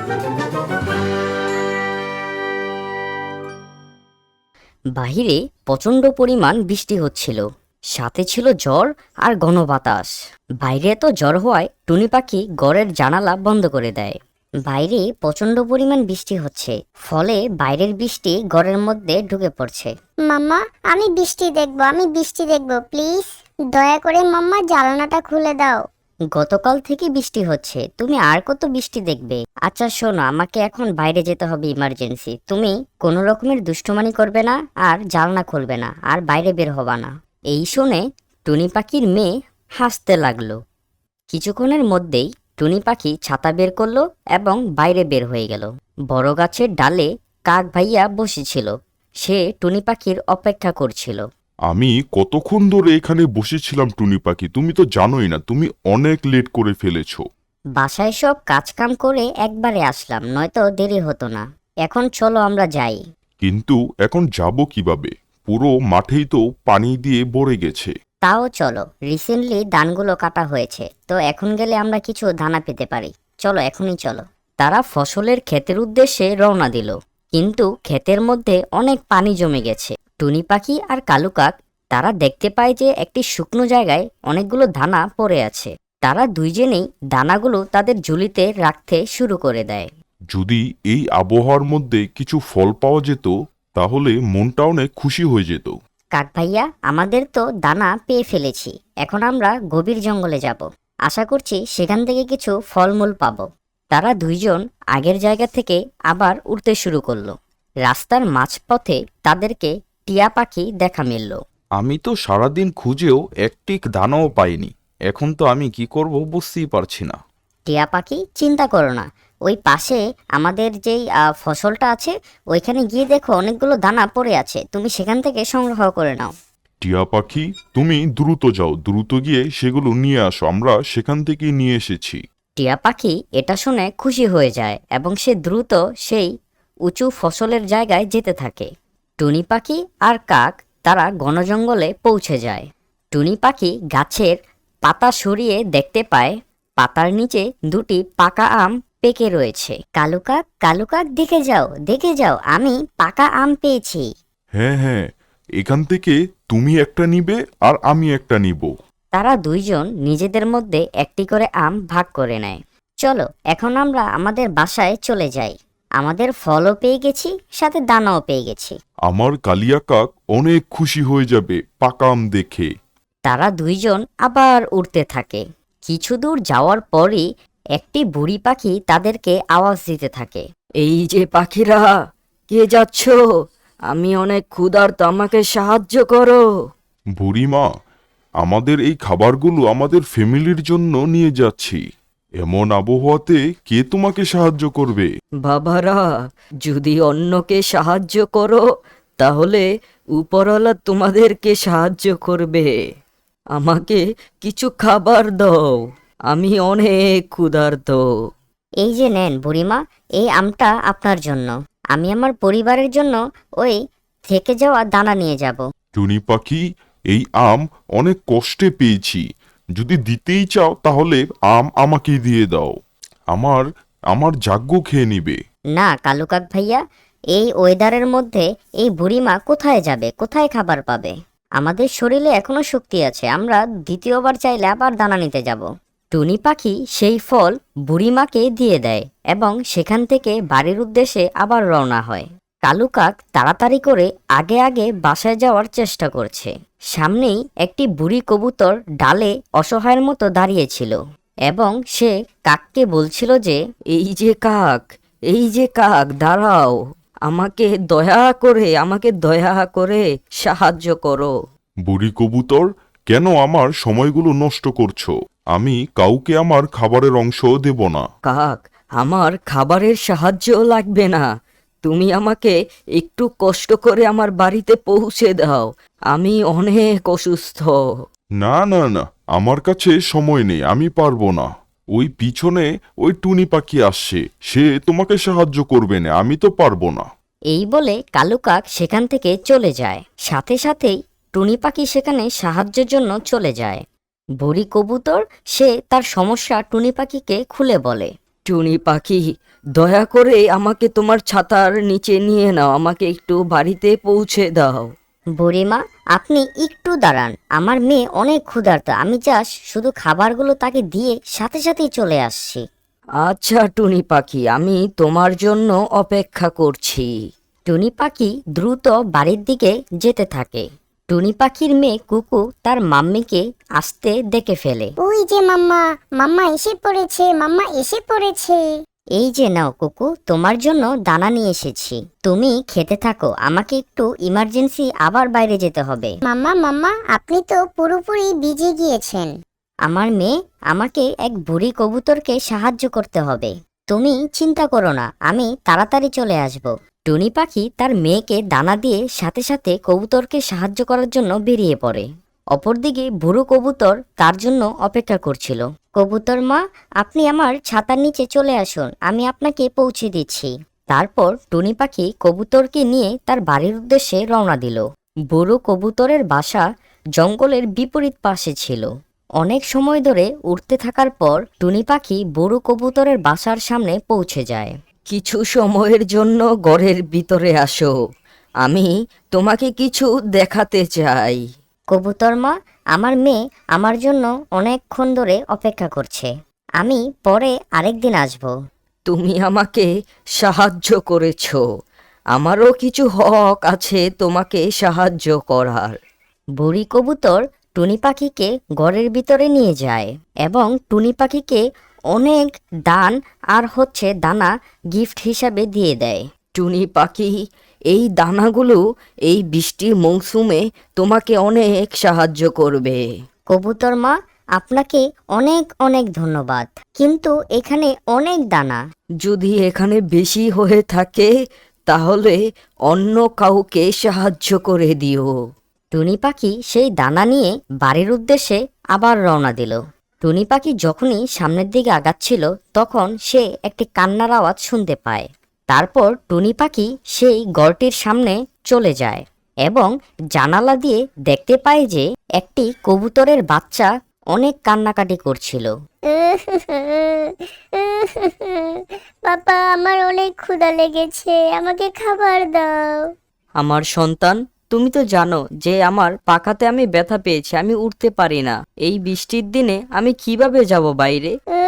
বাহিরে প্রচণ্ড পরিমাণ বৃষ্টি হচ্ছিল, সাথে ছিল ঝড় আর ঘন বাতাস। বাইরে এত ঝড় হওয়ায় টুনি পাখি ঘরের জানালা বন্ধ করে দেয়। বাইরে প্রচণ্ড পরিমাণ বৃষ্টি হচ্ছে, ফলে বাইরের বৃষ্টি ঘরের মধ্যে ঢুকে পড়ছে। মাম্মা, আমি বৃষ্টি দেখবো প্লিজ। দয়া করে মাম্মা জানালাটা খুলে দাও। গতকাল থেকে বৃষ্টি হচ্ছে, তুমি আর কত বৃষ্টি দেখবে? আচ্ছা শোনো, আমাকে এখন বাইরে যেতে হবে ইমার্জেন্সি। তুমি কোনো রকমের দুষ্টুমানি করবে না, আর জানলা খুলবে না, আর বাইরে বের হবা না। এই শুনে টুনি পাখির মেয়ে হাসতে লাগলো। কিছুক্ষণের মধ্যেই টুনি পাখি ছাতা বের করলো এবং বাইরে বের হয়ে গেল। বড় গাছের ডালে কাক ভাইয়া বসেছিল, সে টুনি পাখির অপেক্ষা করছিল। আমি কতক্ষণ ধরে এখানে বসেছিলাম টুনি পাখি, তুমি তো জানোই না, তুমি অনেক লেট করে ফেলেছো। বাসায় সব কাজকাম করে একবারে আসলাম, নয়তো দেরি হতো না। এখন চলো আমরা যাই। কিন্তু এখন যাব কিভাবে? পুরো মাঠেই তো পানি দিয়ে ভরে গেছে। তাও চলো, রিসেন্টলি ধানগুলো কাটা হয়েছে, তো এখন গেলে আমরা কিছু দানা পেতে পারি। চলো, এখনই চলো। তারা ফসলের ক্ষেতের উদ্দেশ্যে রওনা দিল, কিন্তু ক্ষেতের মধ্যে অনেক পানি জমে গেছে। টুনি পাখি আর কালু কাক তারা দেখতে পায় যে একটি শুকনো জায়গায় অনেকগুলো দানা পড়ে আছে। তারা দুইজনেই দানাগুলো তাদের ঝুলিতে রাখতে শুরু করে দেয়। যদি এই আবহাওয়ার মধ্যে কিছু ফল পাওয়া যেত, তাহলে মনটা অনেক খুশি হয়ে যেত। কাক ভাইয়া, আমাদের তো দানা পেয়ে ফেলেছি, এখন আমরা গভীর জঙ্গলে যাব। আশা করছি সেখান থেকে কিছু ফলমূল পাবো। তারা দুইজন আগের জায়গা থেকে আবার উড়তে শুরু করলো। রাস্তার মাঝপথে তাদেরকে টিয়া পাখি দেখা মিলল। আমি তো সারাদিন খুঁজেও একটি দানাও পাইনি। এখন তো আমি কি করব বুঝতেই পারছি না। টিয়া পাখি, চিন্তা করো না, ওই পাশে আমাদের যেই ফসলটা আছে ওইখানে গিয়ে দেখো অনেকগুলো দানা পড়ে আছে, তুমি সেখান থেকে সংগ্রহ করে নাও। টিয়া পাখি, তুমি দ্রুত যাও, দ্রুত গিয়ে সেগুলো নিয়ে আসো, আমরা সেখান থেকে নিয়ে এসেছি। টিয়া পাখি এটা শুনে খুশি হয়ে যায় এবং সে দ্রুত সেই উঁচু ফসলের জায়গায় যেতে থাকে। টুনি পাখি আর কাক তারা ঘন জঙ্গলে পৌঁছে যায়। টুনি পাখি গাছের পাতা সরিয়ে দেখতে পায় পাতার নিচে দুটি পাকা আম পেকে রয়েছে। কালু কাক, দেখে যাও, আমি পাকা আম পেয়েছি। হ্যাঁ হ্যাঁ, এখান থেকে তুমি একটা নিবে আর আমি একটা নিব। তারা দুইজন নিজেদের মধ্যে একটি করে আম ভাগ করে নেয়। চলো, এখন আমরা আমাদের বাসায় চলে যাই। আমাদের ফলও পেয়ে গেছি, সাথে দানাও পেয়ে গেছি। আমার কালিয়া কাক অনেক খুশি হয়ে যাবে পাকা আম দেখে। তারা দুইজন আবার উড়তে থাকে। কিছু দূর যাওয়ার পরই একটি বুড়ি পাখি তাদেরকে আওয়াজ দিতে থাকে। এই যে পাখিরা, কে যাচ্ছ? আমি অনেক ক্ষুধার্ত, আমাকে সাহায্য করো। বুড়িমা, আমাদের এই খাবারগুলো আমাদের ফ্যামিলির জন্য নিয়ে যাচ্ছি। এমন আবহাওয়াতে কে তোমাকে সাহায্য করবে? বাবারা, যদি অন্যকে সাহায্য করো তাহলে উপরওয়ালা তোমাদেরকে সাহায্য করবে। আমাকে কিছু খাবার দাও, আমি অনেক ক্ষুধার্ত। এই যে নেন বুড়িমা, এই আমটা আপনার জন্য। আমি আমার পরিবারের জন্য ওই থেকে যাওয়া দানা নিয়ে যাব। টুনি পাখি, এই আম অনেক কষ্টে পেয়েছি, যদি দিতেই চাও তাহলে আম আমাকে দিয়ে দাও, আমার যাজ্ঞ খেয়ে নিবে। না কালু কাক ভাইয়া, এই ওয়েদারের মধ্যে এই বুড়িমা কোথায় যাবে, কোথায় খাবার পাবে? আমাদের শরীরে এখনো শক্তি আছে, আমরা দ্বিতীয়বার চাইলে আবার দানা নিতে যাব। টুনি পাখি সেই ফল বুড়িমাকে দিয়ে দেয় এবং সেখান থেকে বাড়ির উদ্দেশ্যে আবার রওনা হয়। কালু কাক তাড়াতাড়ি করে আগে আগে বাসায় যাওয়ার চেষ্টা করছে। সামনেই একটি বুড়ি কবুতর ডালে অসহায়ের মতো দাঁড়িয়েছিল এবং সে কাককে বলছিল যে, এই যে কাক, দাঁড়াও, আমাকে দয়া করে সাহায্য করো। বুড়ি কবুতর, কেন আমার সময়গুলো নষ্ট করছো? আমি কাউকে আমার খাবারের অংশ দেব না। কাক, আমার খাবারের সাহায্য লাগবে না, তুমি আমাকে একটু কষ্ট করে আমার বাড়িতে পৌঁছে দাও, আমি অনেক অসুস্থ। না না না, আমার কাছে সময় নেই, আমি পারবো না। ওই পিছনে ওই টুনি পাখি আসছে, সে তোমাকে সাহায্য করবে না, আমি তো পারবো না। এই বলে কালু কাক সেখান থেকে চলে যায়। সাথে সাথেই টুনি পাখি সেখানে সাহায্যের জন্য চলে যায়। বুড়ি কবুতর সে তার সমস্যা টুনি পাখিকে খুলে বলে। টুনি পাখি, দয়া করে আমাকে তোমার ছাতার নিচে নিয়ে নাও, আমাকে একটু বাড়িতে পৌঁছে দাও। বুড়িমা, আপনি একটু দাঁড়ান, আমার মেয়ে অনেক ক্ষুধার্ত, আমি জাস্ট শুধু খাবারগুলো তাকে দিয়ে সাথে সাথেই চলে আসছি। আচ্ছা টুনি পাখি, আমি তোমার জন্য অপেক্ষা করছি। টুনি পাখি দ্রুত বাড়ির দিকে যেতে থাকে। টুনি পাখির মেয়ে কুকু তার মাম্মিকে আসতে দেখে ফেলে। ওই যে মাম্মা, মাম্মা এসে পড়েছে, মাম্মা এসে পড়েছে। এই যে নাও কুকু, তোমার জন্য দানা নিয়ে এসেছি, তুমি খেতে থাকো, আমাকে একটু ইমার্জেন্সি আবার বাইরে যেতে হবে। মাম্মা মাম্মা, আপনি তো পুরোপুরি ভিজে গিয়েছেন। আমার মেয়ে, আমাকে এক বুড়ি কবুতরকে সাহায্য করতে হবে, তুমি চিন্তা করো না, আমি তাড়াতাড়ি চলে আসব। টুনি পাখি তার মেয়েকে দানা দিয়ে সাথে সাথে কবুতরকে সাহায্য করার জন্য বেরিয়ে পড়ে। অপরদিকে বুড়ো কবুতর তার জন্য অপেক্ষা করছিল। কবুতর মা, আপনি আমার ছাতার নিচে চলে আসুন, আমি আপনাকে পৌঁছে দিচ্ছি। তারপর টুনি পাখি কবুতরকে নিয়ে তার বাড়ির উদ্দেশ্যে রওনা দিল। বুড়ো কবুতরের বাসা জঙ্গলের বিপরীত পাশে ছিল। অনেক সময় ধরে উড়তে থাকার পর টুনি পাখি বুড়ো কবুতরের বাসার সামনে পৌঁছে যায়। কিছু সময়ের জন্য ঘরের ভিতরে আসো, আমি তোমাকে কিছু দেখাতে চাই। কবুতর মা, আমার মেয়ে আমার জন্য অনেকক্ষণ ধরে অপেক্ষা করছে, আমি পরে আরেকদিন আসব। তুমি আমাকে সাহায্য করেছো, আমারও কিছু হক আছে তোমাকে সাহায্য করার। বুড়ি কবুতর টুনি পাখিকে ঘরের ভিতরে নিয়ে যায় এবং টুনি পাখিকে অনেক দানা গিফট হিসাবে দিয়ে দেয়। টুনি পাখি, এই দানাগুলো এই বৃষ্টির মৌসুমে তোমাকে অনেক সাহায্য করবে। কবুতর মা, আপনাকে অনেক অনেক ধন্যবাদ, কিন্তু এখানে অনেক দানা। যদি এখানে বেশি হয়ে থাকে তাহলে অন্য কাউকে সাহায্য করে দিও। টুনি পাখি সেই দানা নিয়ে বাড়ির উদ্দেশ্যে আবার রওনা দিল। টুনি পাখি যখনই সামনের দিকে আগাচ্ছিল তখন সে একটি কান্নার আওয়াজ শুনতে পায়। তারপর টুনি পাখি সেই ঘরটির সামনে চলে যায় এবং জানালা দিয়ে দেখতে পায় যে একটি কবুতরের বাচ্চা অনেক কান্নাকাটি করছিল। পাপা, আমার অনেক ক্ষুধা লেগেছে, আমাকে খাবার দাও। আমার সন্তান, তুমি তো জানো যে আমার পাখাতে আমি ব্যথা পেয়েছি, আমি উঠতে পারি না। এই বৃষ্টির দিনে আমি কিভাবে যাব বাইরে?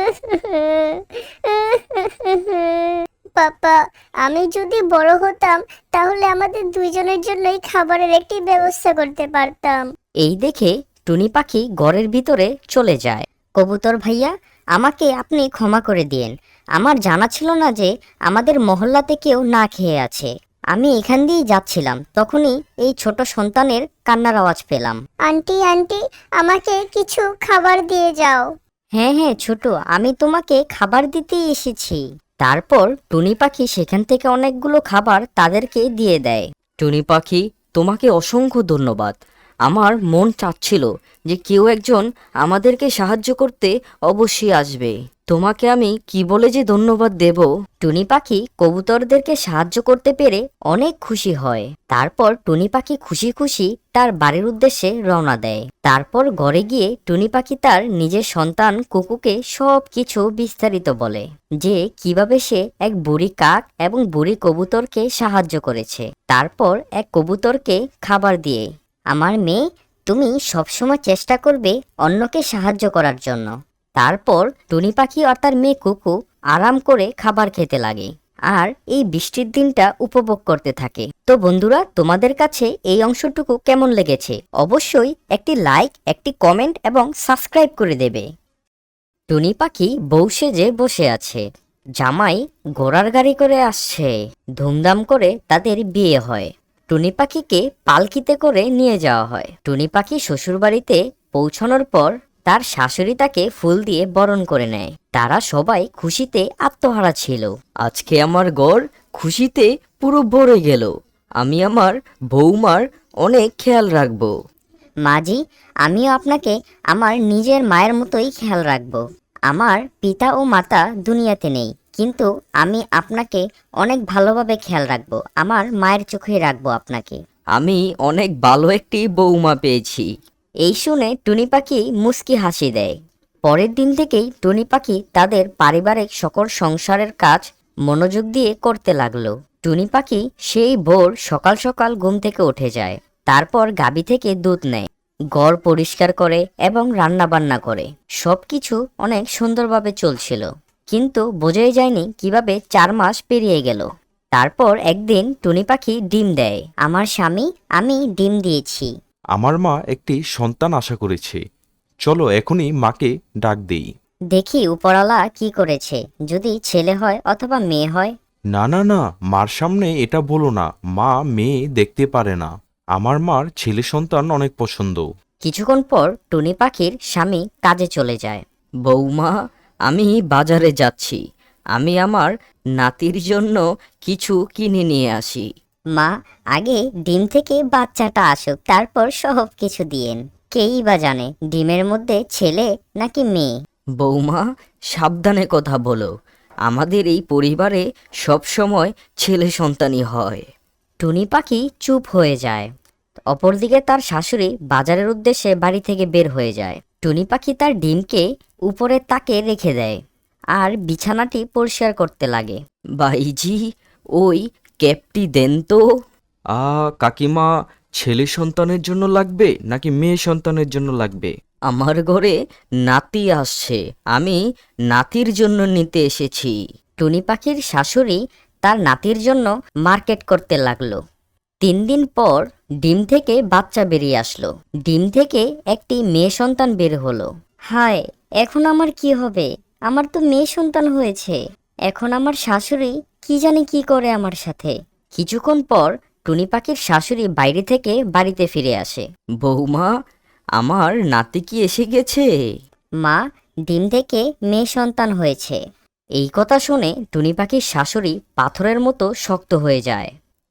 পাপা, আমি যদি বড় হতাম তাহলে আমাদের দুইজনের জন্যই খাবারের একটি ব্যবস্থা করতে পারতাম। এই দেখে টুনি পাখি ঘরের ভিতরে চলে যায়। কবুতর ভাইয়া, আমাকে আপনি ক্ষমা করে দিয়েন, আমার জানা ছিল না যে আমাদের মহল্লাতে কেউ না খেয়ে আছে। আমি এখান দিয়েই যাচ্ছিলাম, তখনই এই ছোট সন্তানের কান্নার আওয়াজ পেলাম। আন্টি আন্টি, আমাকে কিছু খাবার দিয়ে যাও। হ্যাঁ হ্যাঁ ছোট, আমি তোমাকে খাবার দিতেই এসেছি। তারপর টুনি পাখি সেখান থেকে অনেকগুলো খাবার তাদেরকে দিয়ে দেয়। টুনি পাখি, তোমাকে অসংখ্য ধন্যবাদ। আমার মন চাচ্ছিল যে কেউ একজন আমাদেরকে সাহায্য করতে অবশ্যই আসবে। তোমাকে আমি কি বলে যে ধন্যবাদ দেব। টুনি পাখি কবুতরদেরকে সাহায্য করতে পেরে অনেক খুশি হয়। তারপর টুনি পাখি খুশি খুশি তার বাড়ির উদ্দেশ্যে রওনা দেয়। তারপর ঘরে গিয়ে টুনি পাখি তার নিজের সন্তান কুকুকে সব কিছু বিস্তারিত বলে যে কিভাবে সে এক বুড়ি কাক এবং বুড়ি কবুতরকে সাহায্য করেছে। তারপর এক কবুতরকে খাবার দিয়ে, আমার মেয়ে, তুমি সবসময় চেষ্টা করবে অন্যকে সাহায্য করার জন্য। তারপর টুনি পাখি আর তার মেয়ে কুকু আরাম করে খাবার খেতে লাগে আর এই বৃষ্টির দিনটা উপভোগ করতে থাকে। তো বন্ধুরা, তোমাদের কাছে এই অংশটুকু কেমন লেগেছে অবশ্যই একটি লাইক, একটি কমেন্ট এবং সাবস্ক্রাইব করে দেবে। টুনি পাখি বউ সেজে বসে আছে, জামাই ঘোড়ার গাড়ি করে আসছে, ধুমধাম করে তাদের বিয়ে হয়। টুনি পাখিকে পালকিতে করে নিয়ে যাওয়া হয়। টুনি পাখি শ্বশুরবাড়িতে পৌঁছানোর পর তার শাশুড়ি তাকে ফুল দিয়ে বরণ করে নেয়। তারা সবাই খুশিতে আত্মহারা ছিল। আজকে আমার ঘর খুশিতে পুরো ভরে গেল। আমি আমার বৌমার অনেক খেয়াল রাখবো। মাজি, আমিও আপনাকে আমার নিজের মায়ের মতোই খেয়াল রাখবো। আমার পিতা ও মাতা দুনিয়াতে নেই, কিন্তু আমি আপনাকে অনেক ভালোভাবে খেয়াল রাখবো, আমার মায়ের চোখে রাখবো আপনাকে। আমি অনেক ভালো একটি বৌমা পেয়েছি। এই শুনে টুনি পাখি মুচকি হাসি দেয়। পরের দিন থেকেই টুনি পাখি তাদের পারিবারিক সকল সংসারের কাজ মনোযোগ দিয়ে করতে লাগলো। টুনি পাখি সেই ভোর সকাল সকাল ঘুম থেকে উঠে যায়, তারপর গাভী থেকে দুধ নেয়, ঘর পরিষ্কার করে এবং রান্না বান্না করে। সবকিছু অনেক সুন্দরভাবে চলছিল, কিন্তু বোঝাই যায়নি কিভাবে 4 মাস পেরিয়ে গেল। তারপর একদিন টুনি পাখি ডিম দেয়। আমার স্বামী, আমি ডিম দিয়েছি। আমার মা একটি সন্তান আশা করেছে। চলো এখনই মাকে ডাক দেই। দেখি উপরওয়ালা কি করেছে, যদি ছেলে হয় অথবা মেয়ে হয়। না না না, মার সামনে এটা বলো না, মা মেয়ে দেখতে পারে না। আমার মার ছেলে সন্তান অনেক পছন্দ। কিছুক্ষণ পর টুনি পাখির স্বামী কাজে চলে যায়। বৌমা, আমি বাজারে যাচ্ছি, আমি আমার নাতির জন্য কিছু কিনে নিয়ে আসি। মা, আগে ডিম থেকে বাচ্চাটা আসুক, তারপর সব কিছু দিয়েন। কেই বা জানে ডিমের মধ্যে ছেলে নাকি মেয়ে। বৌমা, সাবধানে কথা বলো, আমাদের এই পরিবারে সবসময় ছেলে সন্তানই হয়। টুনি পাখি চুপ হয়ে যায়। অপরদিকে তার শাশুড়ি বাজারের উদ্দেশ্যে বাড়ি থেকে বের হয়ে যায়। টুনি পাখি তার ডিমকে উপরের তাকে রেখে দেয় আর বিছানাটি পরিষ্কার করতে লাগে। ভাইজি, ওই ক্যাপটি দেন তো। কাকিমা, ছেলে সন্তানের জন্য লাগবে নাকি মেয়ে সন্তানের জন্য লাগবে? আমার ঘরে নাতি আসছে, আমি নাতির জন্য নিতে এসেছি। টুনি পাখির শাশুড়ি তার নাতির জন্য মার্কেট করতে লাগলো। 3 দিন পর ডিম থেকে বাচ্চা বেরিয়ে আসলো। ডিম থেকে একটি মেয়ে সন্তান বের হলো। হায়, এখন আমার কি হবে? আমার তো মেয়ে সন্তান হয়েছে। এখন আমার শাশুড়ি কি জানি কি করে আমার সাথে। কিছুক্ষণ পর টুনি পাখির শাশুড়ি বাইরে থেকে বাড়িতে ফিরে আসে। বৌমা, আমার নাতি কি এসে গেছে? মা, ডিম থেকে মেয়ে সন্তান হয়েছে। এই কথা শুনে টুনি পাখির শাশুড়ি পাথরের মতো শক্ত হয়ে যায়।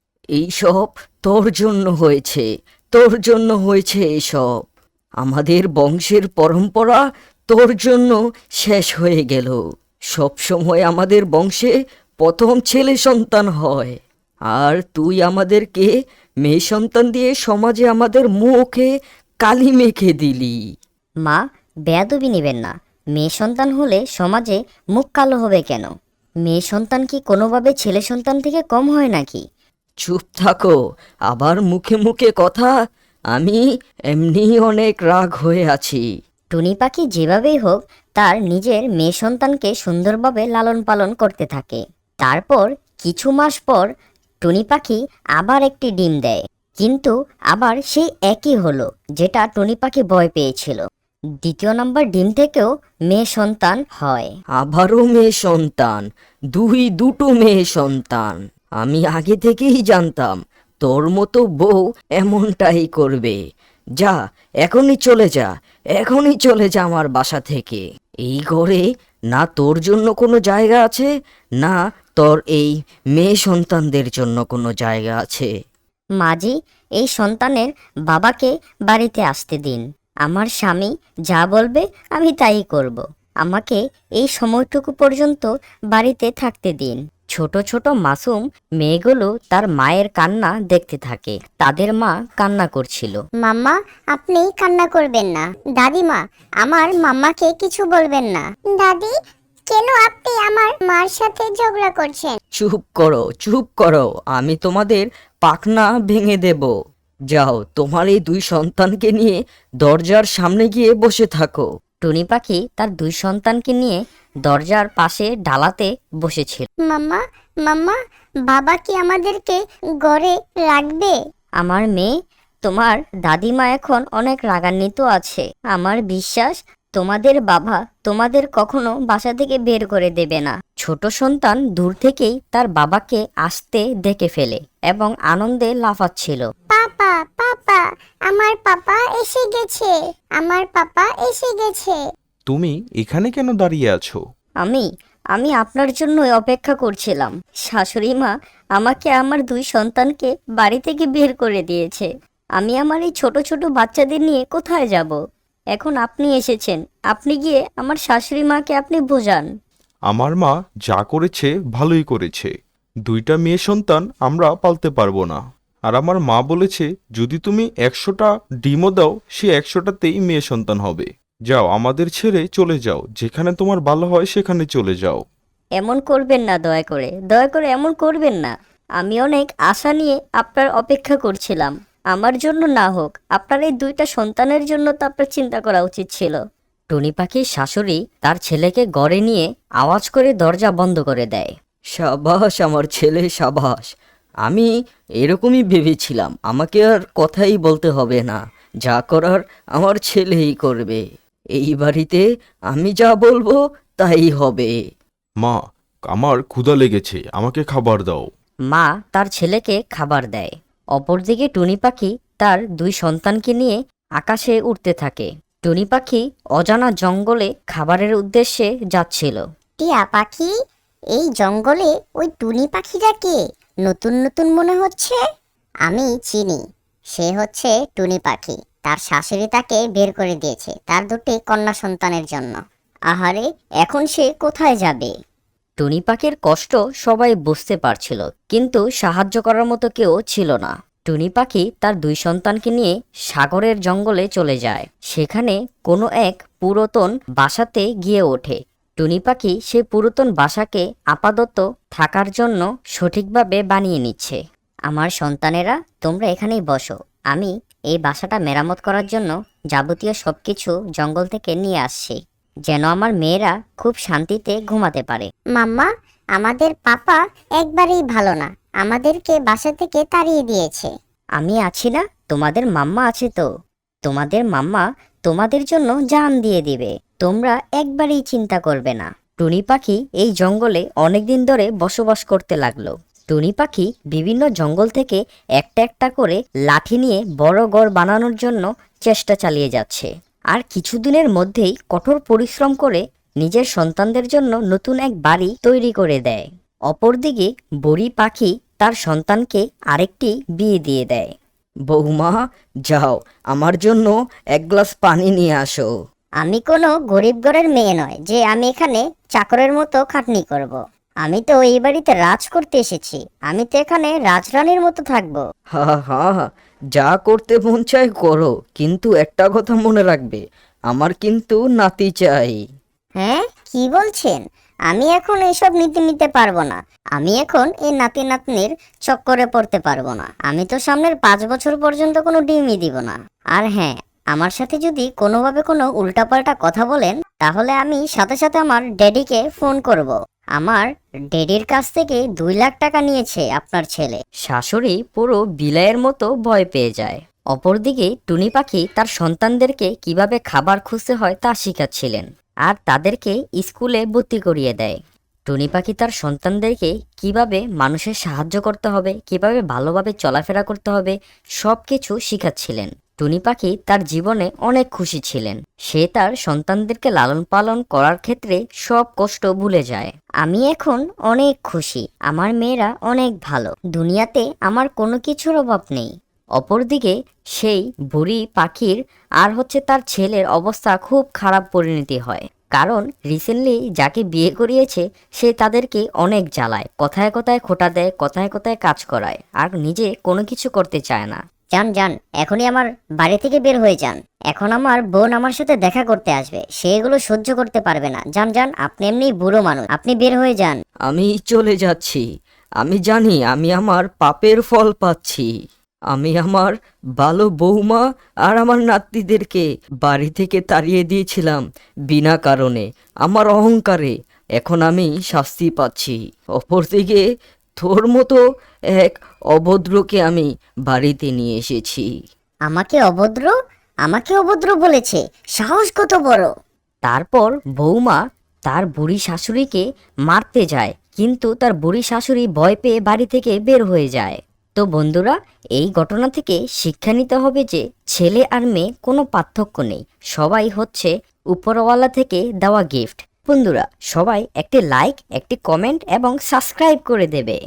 এইসব তোর জন্য হয়েছে, তোর জন্য হয়েছে এইসব। আমাদের বংশের পরম্পরা তোর জন্য শেষ হয়ে গেল। সব সময় আমাদের বংশে প্রথম ছেলে সন্তান হয়, আর তুই আমাদেরকে মেয়ে সন্তান দিয়ে সমাজে আমাদের মুখে কালি মেখে দিলি। মা, বেয়াদবি নেবেন না। মেয়ে সন্তান হলে সমাজে মুখ কালো হবে কেন? মেয়ে সন্তান কি কোনোভাবে ছেলে সন্তান থেকে কম হয় নাকি? চুপ থাকো, আবার মুখে মুখে কথা। আমি এমনি অনেক রাগ হয়ে আছি। টুনি পাখি যেভাবেই হোক তার নিজের মেয়ে সন্তানকে সুন্দরভাবে লালন পালন করতে থাকে। তারপর কিছু মাস পর টুনি পাখি আবার একটি ডিম দেয়, কিন্তু আবার সেই একই হলো যেটা টুনি পাখি ভয় পেয়েছিল। 2য় নম্বর ডিম থেকেও মেয়ে সন্তান হয়। আবারও মেয়ে সন্তান, দুটো মেয়ে সন্তান। আমি আগে থেকেই জানতাম তোর মতো বউ এমনটাই করবে। যা, এখনই চলে যা, এখনই চলে যা আমার বাসা থেকে। এই ঘরে না তোর জন্য কোনো জায়গা আছে, না তোর এই মেয়ে সন্তানদের জন্য কোনো জায়গা আছে। মাঝি, এই সন্তানের বাবাকে বাড়িতে আসতে দিন। আমার স্বামী যা বলবে আমি তাই করব। আমাকে এই সময়টুকু পর্যন্ত বাড়িতে থাকতে দিন। ছোট ছোট মাসুম মেয়েগুলো তার মায়ের কান্না দেখতে থাকে। তাদের মা কান্না করছিল। মাম্মা, আপনি কান্না করবেন না। দাদিমা, আমার মাম্মাকে কিছু বলবেন না। দাদি, কেন আপনি আমার মার সাথে ঝগড়া করছেন? চুপ করো, চুপ করো, আমি তোমাদের পাখনা ভেঙে দেব। যাও, তোমার এই 2 সন্তানকে নিয়ে দরজার সামনে গিয়ে বসে থাকো। টুনি পাখি তার 2 সন্তানকে নিয়ে দরজার পাশে ডালাতে বসেছিল। মাম্মা, মাম্মা, বাবা কি আমাদেরকে ঘরে রাখবে? আমার মেয়ে, তোমার দাদিমা এখন অনেক রাগান্বিত আছে। আমার বিশ্বাস তোমাদের বাবা তোমাদের কখনো বাসা থেকে বের করে দেবে না। ছোট সন্তান দূর থেকেই তার বাবাকে আসতে দেখে ফেলে এবং আনন্দে লাফাচ্ছিল। পাপা, পাপা, আমার পাপা এসে গেছে, আমার পাপা এসে গেছে। তুমি এখানে কেন দাঁড়িয়ে আছো? আমি আপনার জন্য অপেক্ষা করছিলাম। শাশুড়ি মা আমাকে আমার 2 সন্তানকে বাড়ি থেকে বের করে দিয়েছে। আমি আমার এই ছোট ছোট বাচ্চাদের নিয়ে কোথায় যাব? এখন আপনি এসেছেন, আপনি গিয়ে আমার শাশুড়ি মাকে আপনি বোঝান। আমার মা যা করেছে ভালোই করেছে। 2টা মেয়ে সন্তান আমরা পালতে পারবো না। আর আমার মা বলেছে যদি তুমি 100টা ডিমও দাও, সে 100টাতেই মেয়ে সন্তান হবে। যাও, আমাদের ছেড়ে চলে যাও, যেখানে তোমার ভালো হয় সেখানে চলে যাও। এমন করবেন না, দয়া করে এমন করবেন না। আমি অনেক আশা নিয়ে আপনার অপেক্ষা করছিলাম। আমার জন্য না হোক, আপনার এই দুইটা সন্তানের জন্য তো আপনার চিন্তা করা উচিত ছিল। টুনি পাখির শাশুড়ি তার ছেলেকে গড়ে নিয়ে আওয়াজ করে দরজা বন্ধ করে দেয়। সাবাস আমার ছেলে, সাবাস। আমি এরকমই ভেবেছিলাম, আমাকে আর কথাই বলতে হবে না, যা করার আমার ছেলেই করবে। এই বাড়িতে আমি যা বলবো তাই হবে। মা, আমার ক্ষুধা লেগেছে, আমাকে খাবার দাও। মা তার ছেলেকে খাবার দেয়। অপরদিকে টুনি পাখি তার দুই সন্তানকে নিয়ে আকাশে উড়তে থাকে। টুনি পাখি অজানা জঙ্গলে খাবারের উদ্দেশ্যে যাচ্ছিল। টিয়া পাখি, এই জঙ্গলে ওই টুনি পাখিটা কে? নতুন নতুন মনে হচ্ছে। আমি চিনি, সে হচ্ছে টুনি পাখি। তার শাশুড়ি তাকে বের করে দিয়েছে তার দুটি কন্যা সন্তানের জন্য। আহারে, এখন সে কোথায় যাবে? টুনি পাখির কষ্ট সবাই বুঝতে পারছিল, কিন্তু সাহায্য করার মতো কেউ ছিল না। টুনি পাখি তার দুই সন্তানকে নিয়ে সাগরের জঙ্গলে চলে যায়। সেখানে কোনো এক পুরাতন বাসাতে গিয়ে ওঠে। টুনি পাখি সেই পুরাতন বাসাকে আপাতত থাকার জন্য সঠিকভাবে বানিয়ে নিচ্ছে। আমার সন্তানেরা, তোমরা এখানেই বসো। আমি এই বাসাটা মেরামত করার জন্য যাবতীয় সবকিছু জঙ্গল থেকে নিয়ে আসছি, যেন আমার মেয়েরা খুব শান্তিতে ঘুমাতে পারে। মাম্মা, আমাদের পাপা একবারেই ভালো না, আমাদেরকে বাসা থেকে তাড়িয়ে দিয়েছে। আমি আছি না? তোমাদের মাম্মা আছে তো। তোমাদের মাম্মা তোমাদের জন্য জান দিয়ে দিবে। তোমরা একবারেই চিন্তা করবে না। টুনি পাখি এই জঙ্গলে অনেকদিন ধরে বসবাস করতে লাগলো। টুনি পাখি বিভিন্ন জঙ্গল থেকে একটা একটা করে লাঠি নিয়ে বড় ঘর বানানোর জন্য চেষ্টা চালিয়ে যাচ্ছে। আর কিছুদিনের মধ্যেই কঠোর পরিশ্রম করে নিজের সন্তানদের জন্য নতুন এক বাড়ি তৈরি করে দেয়। অপরদিকে বুড়ি পাখি তার সন্তানকে আরেকটি বিয়ে দিয়ে দেয়। বৌমা, যাও আমার জন্য এক গ্লাস পানি নিয়ে আসো। আমি কোনো গরিব ঘরের মেয়ে নয় যে আমি এখানে চাকরের মতো খাটনি করব। আমি তো এই বাড়িতে রাজ করতে এসেছি। আমি তো এখানে রাজরানীর মতো থাকবো। হা হা, যা করতে মন চায় করো, কিন্তু একটা কথা মনে রাখবে, আমার কিন্তু নাতি চাই। হ্যাঁ, কি বলছেন? আমি এখন এসব নীতি নিতে পারবো না। আমি এখন এই নাতি নাতনির চক্করে পড়তে পারবো না। আমি তো সামনের 5 বছর পর্যন্ত কোনো ডিমই দিব না। আর হ্যাঁ, আমার সাথে যদি কোনোভাবে কোনো উল্টাপাল্টা কথা বলেন, তাহলে আমি সাথে সাথে আমার ড্যাডিকে ফোন করব। আমার ড্যাডির কাছ থেকে 2 লাখ টাকা নিয়েছে আপনার ছেলে। শাশুড়ি পুরো বিলাইয়ের মতো ভয় পেয়ে যায়। অপরদিকে টুনি পাখি তার সন্তানদেরকে কিভাবে খাবার খুঁজতে হয় তা শিখাচ্ছিলেন, আর তাদেরকে স্কুলে ভর্তি করিয়ে দেয়। টুনি পাখি তার সন্তানদেরকে কিভাবে মানুষের সাহায্য করতে হবে, কিভাবে ভালোভাবে চলাফেরা করতে হবে, সব কিছু শিখাচ্ছিলেন। টুনি পাখি তার জীবনে অনেক খুশি ছিলেন। সে তার সন্তানদেরকে লালন পালন করার ক্ষেত্রে সব কষ্ট ভুলে যায়। আমি এখন অনেক খুশি, আমার মেয়েরা অনেক ভালো, দুনিয়াতে আমার কোনো কিছুর অভাব নেই। অপরদিকে সেই বুড়ি পাখির আর তার ছেলের অবস্থা খুব খারাপ পরিণতি হয়, কারণ রিসেন্টলি যাকে বিয়ে করিয়েছে সে তাদেরকে অনেক জ্বালায়, কথায় কথায় খোঁটা দেয়, কথায় কথায় কাজ করায়, আর নিজে কোনো কিছু করতে চায় না। যান যান, এখনই আমার বাড়ি থেকে বের হয়ে যান। এখন আমার বোন আমার সাথে দেখা করতে আসবে, সে এগুলো সহ্য করতে পারবে না। যান যান, আপনি এমনি বুড়ো মানুষ, আপনি বের হয়ে যান। আমি চলে যাচ্ছি। আমি জানি আমি আমার পাপের ফল পাচ্ছি। আমি আমার ভালো বৌমা আর আমার নাতিদেরকে বাড়ি থেকে তাড়িয়ে দিয়েছিলাম বিনা কারণে, আমার অহংকারে। এখন আমি শাস্তি পাচ্ছি। অপরদিকে তোর মতো এক অভদ্রকে আমি বাড়িতে নিয়ে এসেছি। আমাকে অভদ্র? আমাকে অভদ্র বলেছে? সাহস কত বড়! তারপর বৌমা তার বুড়ি শাশুড়িকে মারতে যায়, কিন্তু তার বুড়ি শাশুড়ি ভয় পেয়ে বাড়ি থেকে বের হয়ে যায়। তো বন্ধুরা, এই ঘটনা থেকে শিক্ষা নিতে হবে যে ছেলে আর মেয়ে কোনো পার্থক্য নেই, সবাই হচ্ছে উপরওয়ালা থেকে দেওয়া গিফট। বন্ধুরা, সবাই একটি লাইক, একটি কমেন্ট এবং সাবস্ক্রাইব করে দেবে।